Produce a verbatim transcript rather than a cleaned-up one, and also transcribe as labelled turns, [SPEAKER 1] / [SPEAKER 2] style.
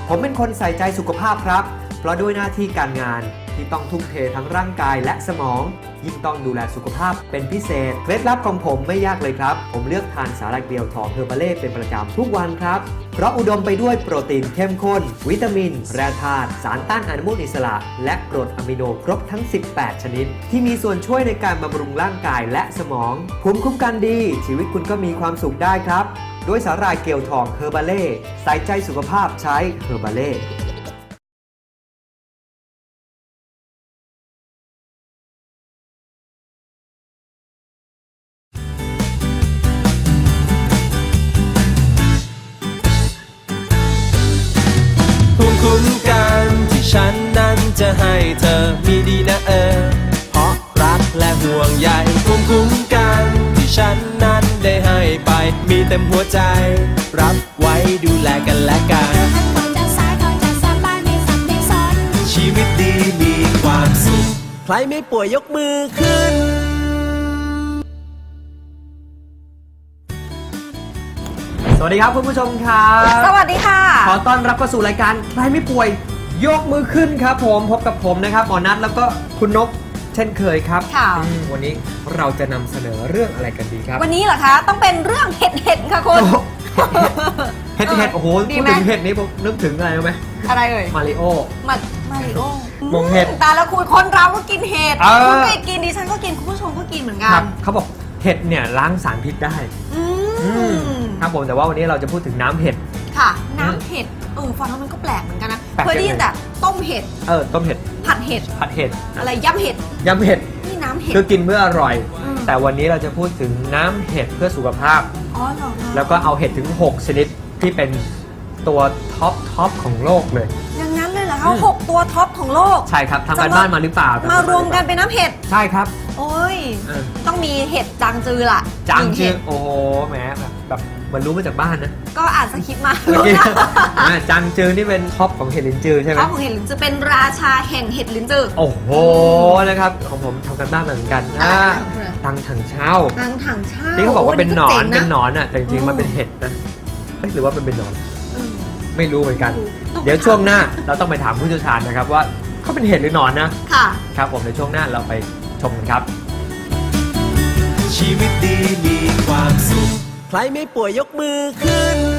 [SPEAKER 1] ผมเป็นคนใส่ใจสุขภาพครับเพราะด้วยหน้าที่การงานที่ต้องทุ่มเททั้งร่างกายและสมองยิ่งต้องดูแลสุขภาพเป็นพิเศษเคล็ดลับของผมไม่ยากเลยครับผมเลือกทานสาหร่ายเกลียวทองเฮอร์บาเล่เป็นประจำทุกวันครับเพราะอุดมไปด้วยโปรตีนเข้มข้นวิตามินแร่ธาตุสารต้านอนุมูลอิสระและกรดอะมิโนครบทั้งสิบแปดชนิดที่มีส่วนช่วยในการบำรุงร่างกายและสมองภูมิคุ้มกันดีชีวิตคุณก็มีความสุขได้ครับด้วยสาหร่ายเกลียวทองเฮอร์บาเล่ใส่ใจสุขภาพใช้เฮอร์บาเล่
[SPEAKER 2] ภูมิคุ้มกันที่ฉันนั้นจะให้เธอมีดีนะเออเพราะรักและห่วงใยภูมิคุ้มกันที่ฉันนั้นได้ให้ไปมีเต็มหัวใจรับไว้ดูแลกันและกันชีวิตดีมีความสุขใครไม่ป่วยยกมือขึ้น
[SPEAKER 1] สวัสดีครับคุณผู้ชมครับ
[SPEAKER 3] สวัสดีค่ะ
[SPEAKER 1] ขอต้อนรับเข้าสู่รายการใครไม่ป่วยยกมือขึ้นครับผมพบกับผมนะครับหมอนัทแล้วก็คุณนกเช่นเคยครับ
[SPEAKER 3] ค่ะ
[SPEAKER 1] วันนี้เราจะนำเสนอเรื่องอะไรกันดีครับ
[SPEAKER 3] วันนี้เหรอคะต้องเป็นเรื่องเห็ดเห็ดค่ะคุณ
[SPEAKER 1] เห็ดเห็ดโอ้โห
[SPEAKER 3] ดี
[SPEAKER 1] พูด
[SPEAKER 3] ไหม
[SPEAKER 1] ถึงเห็ดนี้ผมนึกถึงอะไรรู้ไหม
[SPEAKER 3] อะไรเอ่ย
[SPEAKER 1] มาริโอ
[SPEAKER 3] มามาริโอ
[SPEAKER 1] มงเห็ด
[SPEAKER 3] แต่ละคุณคนเราก็กินเห็ด
[SPEAKER 1] เออ
[SPEAKER 3] คุณก็กินดิฉันก็กินคุณผู้ชมก็กินเหมือนกั
[SPEAKER 1] ครั
[SPEAKER 3] น
[SPEAKER 1] บเขาบอกเห็ดเนี่ยล้างสารพิษได้
[SPEAKER 3] อื
[SPEAKER 1] อื
[SPEAKER 3] ม
[SPEAKER 1] มครับผมแต่ว่าวันนี้เราจะพูดถึงน้ำเห็ด
[SPEAKER 3] ค่ะ น้ำเห็ดเออฟังแล้วมันก็แปลกเหมือนกันนะ
[SPEAKER 1] แปลก
[SPEAKER 3] เคยได้ยินแต่ต้มเห็ด
[SPEAKER 1] เออต้มเห็ด
[SPEAKER 3] ผัดเห็ด
[SPEAKER 1] ผัดเห็ด
[SPEAKER 3] อะไรย่ำเห็ด
[SPEAKER 1] ยำเห็ด
[SPEAKER 3] นี่น้ำเห็ด
[SPEAKER 1] คือกินเมื่ออร่อย
[SPEAKER 3] อืม
[SPEAKER 1] แต่วันนี้เราจะพูดถึงน้ำเห็ดเพื่อสุขภาพ
[SPEAKER 3] อ๋อเหรอ
[SPEAKER 1] แล้วก็เอาเห็ดถึงหกชนิดที่เป็นตัวท็อปท็อปของโลกเลย
[SPEAKER 3] อย่างนั้นเลยเหรอ
[SPEAKER 1] อื
[SPEAKER 3] คะ
[SPEAKER 1] ม
[SPEAKER 3] หกตัวท็อปของโลก
[SPEAKER 1] ใช่ครับทำการบ้านมาหรือเปล่าม
[SPEAKER 3] ารวมกันเป็นน้ำเห็ด
[SPEAKER 1] ใช่ครับ
[SPEAKER 3] โอ้ย
[SPEAKER 1] เออ
[SPEAKER 3] ต้องมีเห็ดจางจือล่ะ
[SPEAKER 1] จาง
[SPEAKER 3] หนึ่
[SPEAKER 1] จื
[SPEAKER 3] เห็
[SPEAKER 1] อ
[SPEAKER 3] ด
[SPEAKER 1] โอ้โหแหมแบบแบบเหมันรู้มาจากบ้านนะ
[SPEAKER 3] ก็อ่านสคริปต์มา
[SPEAKER 1] เมื่อกี้อ่าจางจือนี่เป็นท็อปของเห็ดลินจือใช่ไหม
[SPEAKER 3] ข้าวของเห็ดลิ้นจือเป็นราชาแห่งเห็ดลิ้นจือ
[SPEAKER 1] โอ้โหนะครับของผมทำกันบ้านเหมือนกัน
[SPEAKER 3] อะไร
[SPEAKER 1] อ่า
[SPEAKER 3] อะไร
[SPEAKER 1] ตังถังเช่า
[SPEAKER 3] ทางถังเช่า
[SPEAKER 1] ที่เขาบอกว่าเป็นหนอน
[SPEAKER 3] โ
[SPEAKER 1] เป็นหนอนอ่ะแต่จริง
[SPEAKER 3] อื
[SPEAKER 1] ๆ
[SPEAKER 3] ม
[SPEAKER 1] มันเป็นเห็ดนะเอ๊ะหรือว่ามันเป็นหนอน
[SPEAKER 3] เออ
[SPEAKER 1] ไม่รู้เหมือนกัน
[SPEAKER 3] ต้อง
[SPEAKER 1] เดี๋ยวช่วงหน้าเราต้องไปถามผู้เชี่ยวชาญนะครับว่าเขาเป็นเห็ดหรือหนอนนะ
[SPEAKER 3] ค่ะ
[SPEAKER 1] ครับผมในช่วงหน้าเราไปชมกันครับ
[SPEAKER 2] ชีวิตดีมีความสุขใครไม่ป่วยยกมือขึ้น